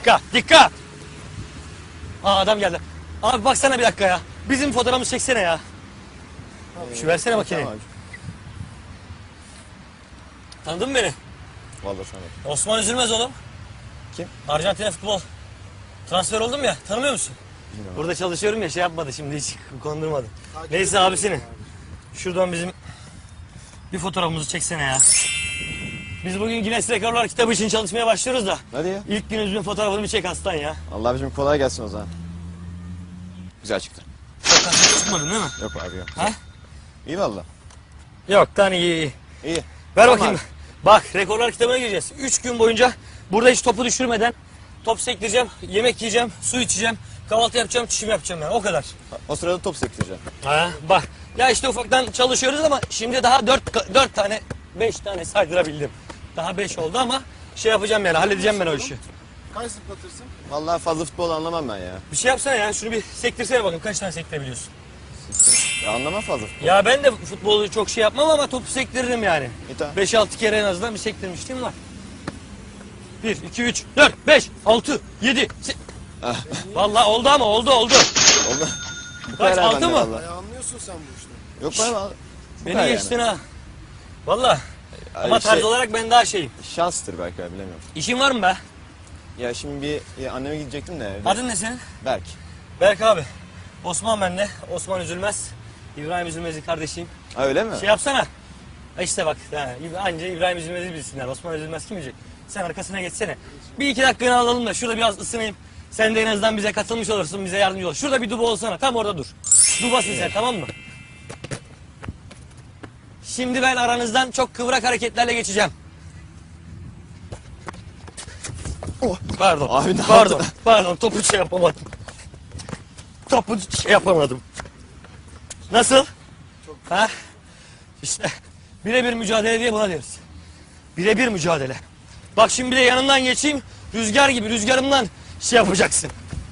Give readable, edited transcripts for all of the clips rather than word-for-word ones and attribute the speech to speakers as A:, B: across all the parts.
A: Dikkat, dikkat. Aa, adam geldi. Abi baksana bir dakika ya. Bizim fotoğrafımızı çeksene ya. Şu versene makineyi.
B: Tamam.
A: Tanıdın mı beni?
B: Vallahi sana.
A: Osman Üzülmez oğlum.
B: Kim?
A: Arjantin'e futbol. Transfer oldum ya, tanımıyor musun?
B: Bilmiyorum.
A: Burada çalışıyorum ya, şey yapmadı şimdi, hiç kondurmadı. Neyse abisini. Şuradan bizim bir fotoğrafımızı çeksene ya. Biz bugün Guinness Rekorlar kitabı için çalışmaya başlıyoruz da.
B: Hadi ya.
A: İlk günümüzün fotoğrafını bir çek aslan ya.
B: Allah abicim kolay gelsin o zaman. Güzel çıktı.
A: Çıkmadın değil mi?
B: Yok abi yok.
A: Ha?
B: İyi valla.
A: Yok, tane iyi.
B: İyi.
A: Ver
B: Tamam
A: bakayım.
B: abi.
A: Bak, rekorlar kitabına gireceğiz. 3 gün boyunca burada hiç topu düşürmeden top sektireceğim, yemek yiyeceğim, su içeceğim, kahvaltı yapacağım, çişimi yapacağım yani, o kadar.
B: O sırada top sektireceğim.
A: Ha, bak. Ya işte ufaktan çalışıyoruz ama şimdi daha 4 tane, 5 tane saydırabildim. Daha 5 oldu ama şey yapacağım yani, halledeceğim ben o işi.
C: Kaç zıplatırsın?
B: Vallahi fazla futbol anlamam ben ya.
A: Bir şey yapsana ya, şunu bir sektirsene bakayım, kaç tane sektirebiliyorsun?
B: Ya anlamam fazla futbol.
A: Ya ben de futbolu çok şey yapmam ama topu sektiririm yani.
B: Tamam.
A: 5-6 kere en azından bir sektirmişliğim var. 1, 2, 3, 4, 5, 6, 7, Vallahi oldu ama oldu.
B: Oldu. Bu
A: Kaç,
B: kadar
A: 6
B: bende
A: mı?
B: vallahi.
C: Anlıyorsun sen bu işte.
B: Yok ben vallahi. Bu
A: Beni
B: kadar
A: geçtin ha. Vallahi.
B: Yani.
A: Ama tarz olarak ben daha şeyim.
B: Şanstır belki ben bilemiyorum.
A: İşin var mı be?
B: Ya şimdi anneme gidecektim de evde.
A: Adın ne senin?
B: Berk.
A: Berk abi. Osman bende. Osman Üzülmez. İbrahim Üzülmez'in kardeşiyim.
B: Ha öyle mi?
A: Şey yapsana. Ha İşte bak. Anca İbrahim Üzülmez'i bilsinler. Osman Üzülmez kim bilecek? Sen arkasına geçsene. Bir iki dakikanı alalım da şurada biraz ısınayım. Sen de en azından bize katılmış olursun. Bize yardımcı olur. Şurada bir duba olsana. Tam orada dur. Dubasın sen, tamam mı? Şimdi ben aranızdan çok kıvrak hareketlerle geçeceğim.
B: Oh.
A: Pardon.
B: Abi ne
A: pardon.
B: yaptın?
A: Pardon. Topu şey yapamadım. Topu şey yapamadım. Nasıl? Ha? İşte birebir mücadele diye buna deriz. Birebir mücadele. Bak şimdi bir de yanından geçeyim. Rüzgar gibi rüzgarımdan şey yapacaksın.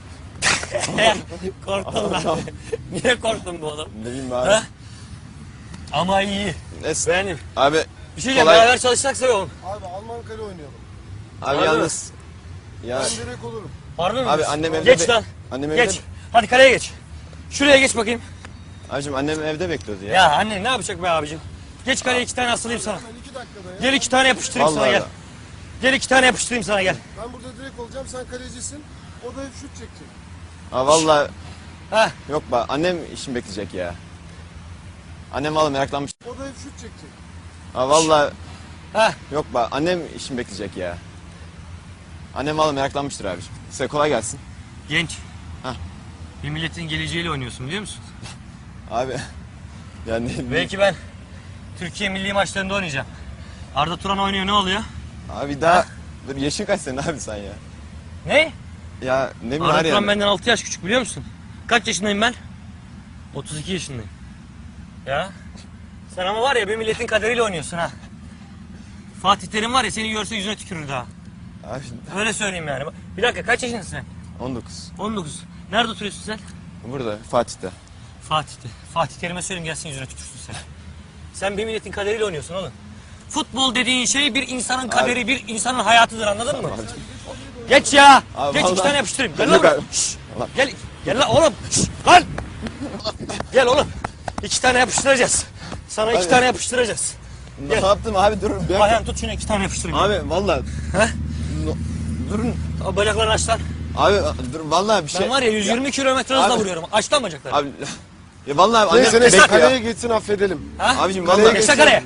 A: Korktun lan. Niye korktun bu oğlum?
B: Ne bileyim abi.
A: Ha? Ama iyi.
B: Neyse.
A: Beğendim.
B: Abi
A: Bir şey diyeceğim,
B: kolay.
A: beraber çalışacaksa oğlum.
C: Abi Alman kale oynayalım.
B: Abi
A: Abi.
B: yalnız. Ya
C: Ben direkt olurum.
A: Harbi mi?
B: abi
A: diyorsun?
B: annem evde.
A: Geç lan.
B: Annem evde.
A: Geç. Hadi kaleye geç. Şuraya geç bakayım.
B: Abicim annem evde bekliyordu ya.
A: Ya anne ne yapacak be abicim? Geç kaleye 2 tane asılayım sana.
C: Ben 2 dakikada ya.
A: Gel 2 tane yapıştırayım sana,
B: Vallahi
A: gel.
B: da.
A: Gel 2 tane yapıştırayım sana, gel.
C: Ben burada direkt olacağım, sen kalecisin. O da hep şut çekecek.
B: Ha vallahi
A: Ha.
B: yok be annem işim bekleyecek ya. Annem vallahi meraklanmış.
C: O da hep şut çekecek.
B: Ha vallahi
A: Ha.
B: yok be annem işim bekleyecek ya. Annem vallahi meraklanmıştır abiciğim. Size kolay gelsin.
A: Genç.
B: Hah.
A: Bir milletin geleceğiyle oynuyorsun, biliyor musun?
B: Abi yani
A: Belki ben Türkiye milli maçlarında oynayacağım. Arda Turan oynuyor, ne oluyor?
B: abi daha dur yaşın kaç senin abi sen ya?
A: Ne?
B: Ya ne bileyim
A: Arda
B: var
A: Turan
B: yani.
A: benden 6 yaş küçük, biliyor musun? Kaç yaşındayım ben? 32 yaşındayım. Ya. Sen ama var ya bir milletin kaderiyle oynuyorsun ha. Fatih Terim var ya, seni görse yüzüne tükürür daha.
B: Abi
A: Öyle söyleyeyim yani. Bir dakika, kaç yaşındasın sen?
B: 19.
A: 19. Nerede oturuyorsun sen?
B: Burada Fatih'te.
A: Fatih'te. Fatih Terim'e söyleyeyim gelsin, yüzüne tükürsün sen. Sen bir milletin kaderiyle oynuyorsun oğlum. Futbol dediğin şey bir insanın kaderi, bir insanın hayatıdır, anladın mı? Geç ya.
B: Abi
A: Geç, 2
B: vallahi-
A: tane yapıştırayım. Gel
B: Yok
A: lan.
B: abi.
A: Şşş.
B: Allah.
A: Gel lan oğlum. Şşş, lan. Gel oğlum. 2 tane yapıştıracağız. Sana 2
B: Abi.
A: tane yapıştıracağız.
B: Ne
A: Gel.
B: yaptım abi durun. Bir
A: Ayhan tut şunu, 2 tane yapıştırayım.
B: Abi vallahi
A: He?
B: durun.
A: O bacaklarını aç lan.
B: Abi dur vallahi bir şey.
A: Ben var ya 120 kilometre hızla
B: Abi.
A: vuruyorum. Aç lan bacaklarını.
B: Abi ya vallahi annem
C: Neyse neyse
B: bekliyor.
C: kaleye geçsin, affedelim.
A: Ha?
B: Abicim
C: Kaleye
B: vallahi
A: Geçsene kaleye.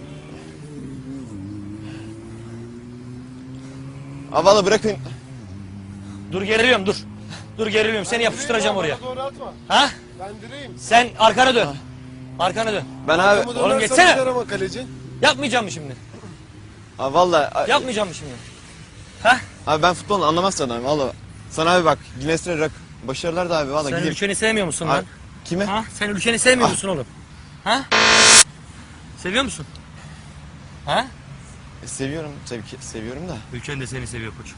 B: Abi vallahi bırakın.
A: Dur, geriliyorum, dur. Dur, geriliyorum. Seni yapıştıracağım oraya.
C: Bana doğru atma.
A: Ha?
C: Ben direğim.
A: Sen arkana dön. Arkana dön.
B: Ben abi
C: Arkamı dönersen
A: geçsene.
C: gider ama kaleci.
A: Yapmayacağım mı şimdi?
B: abi vallahi
A: Yapmayacağım mı şimdi? Ha?
B: abi ben futbolu anlamazsın abi vallahi. Sana abi bak Guinness'te rak başarılar da abi vallahi
A: Sen
B: gideyim.
A: ülkeni sevmiyor musun
B: Abi,
A: lan?
B: kime?
A: Ha? Sen ülkeni sevmiyor musun oğlum? Ha? Seviyor musun? Ha?
B: Seviyorum tabii ki seviyorum da.
A: Ülken de seni seviyor koç.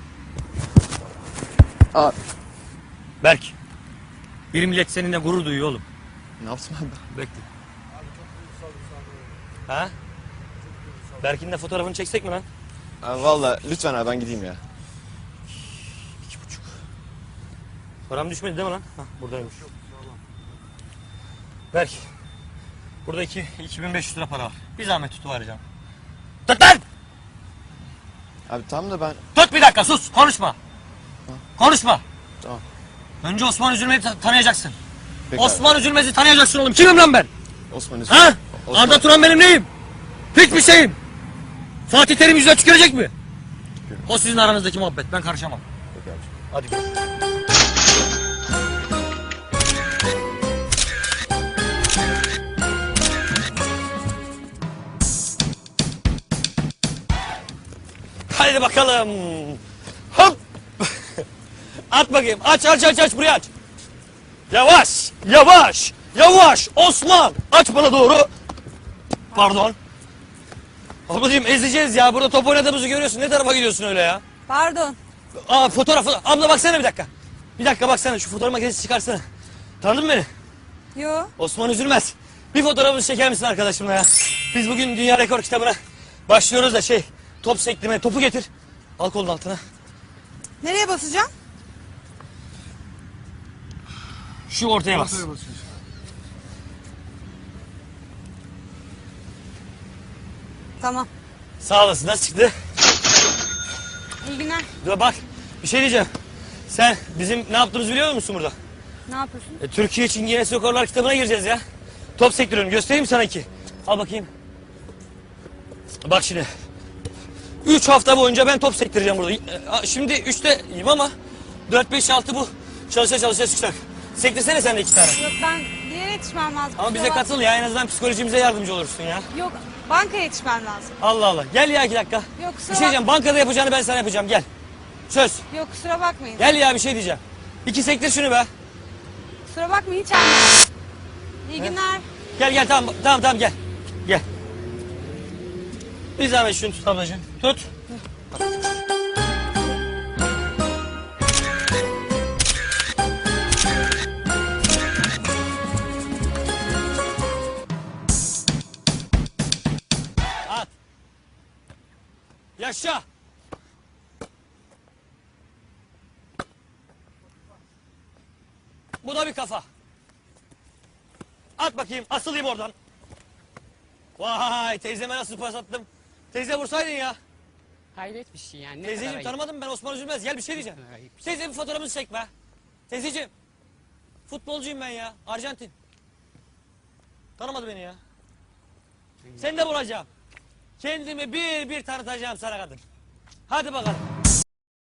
B: Abi
A: Berk. Bir millet seninle gurur duyuyor oğlum.
B: ne yaptım abi?
A: Bekle. Ha? Berk'in de fotoğrafını çeksek mi lan?
B: Abi vallahi lütfen abi ben gideyim ya.
A: Param düşmedi değil mi lan? Hah, buradaymış. Berk. Burada 2500 lira para var. Bir zahmet tutuvereceğim. Tut lan!
B: Abi tam da ben...
A: Tut bir dakika sus konuşma. Konuşma.
B: Tamam.
A: Önce Osman Üzülmez'i tanıyacaksın.
B: Peki
A: Osman Üzülmez'i tanıyacaksın oğlum. Kimim lan ben?
B: abi. Osman Üzüm.
A: Ha?
B: Osman-
A: Arda Turan benim neyim? Hiçbir şeyim. Fatih Terim yüzüne tükürecek mi? O sizin aranızdaki muhabbet. Ben karışamam.
B: Peki abi.
A: Hadi gel. Hadi bakalım. Hop. At bakayım. Aç buraya aç. Yavaş. Yavaş. Yavaş. Osman. Aç bana doğru. Pardon. Ablacığım ezeceğiz ya. Burada top oynadığımızı görüyorsun. Ne tarafa gidiyorsun öyle ya?
D: Pardon.
A: Aa fotoğraf. Abla baksana bir dakika. Bir dakika baksana. Şu fotoğraf makinesi çıkarsana. Tanıdın mı beni?
D: Yo.
A: Osman Üzülmez. Bir fotoğrafımızı çeker misin arkadaşımla ya? Biz bugün Dünya Rekor kitabına başlıyoruz da top sektirmeye. Topu getir. Al kolun altına.
D: Nereye basacağım?
A: Şu ortaya bas.
C: Ortaya basıyorsun.
D: Tamam.
A: Sağ olasın. Nasıl çıktı?
D: İyi günler.
A: Dur bak. Bir şey diyeceğim. Sen bizim ne yaptığımızı biliyor musun burada?
D: Ne yapıyorsun?
A: Türkiye için Guinness Rekorlar kitabına gireceğiz ya. Top sektiriyorum. Göstereyim mi sana iki? Al bakayım. Bak şimdi. 3 hafta boyunca ben top sektireceğim burada. Şimdi 3'teyim ama 4, 5, 6 bu. Çalışa çıkacak. Sektirsene sen de 2 tane.
D: Yok ben bir yere yetişmem lazım.
A: Ama bize
D: Kusura bak-
A: katıl ya. En azından psikolojimize yardımcı olursun ya.
D: Yok bankaya yetişmem lazım.
A: Allah Allah. Gel ya 2 dakika.
D: Yok
A: Bir
D: kusura
A: şey diyeceğim. Bankada yapacağını ben sana yapacağım. Gel. Söz.
D: Yok kusura bakmayın.
A: Gel ya bir şey diyeceğim. 2 sektir şunu be.
D: Kusura bakmayın hiç anlamadım. İyi günler.
A: Gel tamam gel. Gel. Bir zahmet şunu tut ablacığım. Tut. At. Yaşa. Bu da bir kafa. At bakayım, asılayım oradan. Vay, teyzeme nasıl pas attım. Teyze vursaydın ya.
E: Hayret bir şey yani. Ne
A: Teyzeciğim
E: kadar
A: tanımadım ben Osman Üzülmez. Gel bir şey diyeceğim.
E: ayıp.
A: Teyze bir fotoğrafımızı çek be. Teyzeciğim. Futbolcuyum ben ya. Arjantin. Tanımadı beni ya. Seni de vuracağım. Kendimi bir tanıtacağım sana kadın. Hadi bakalım.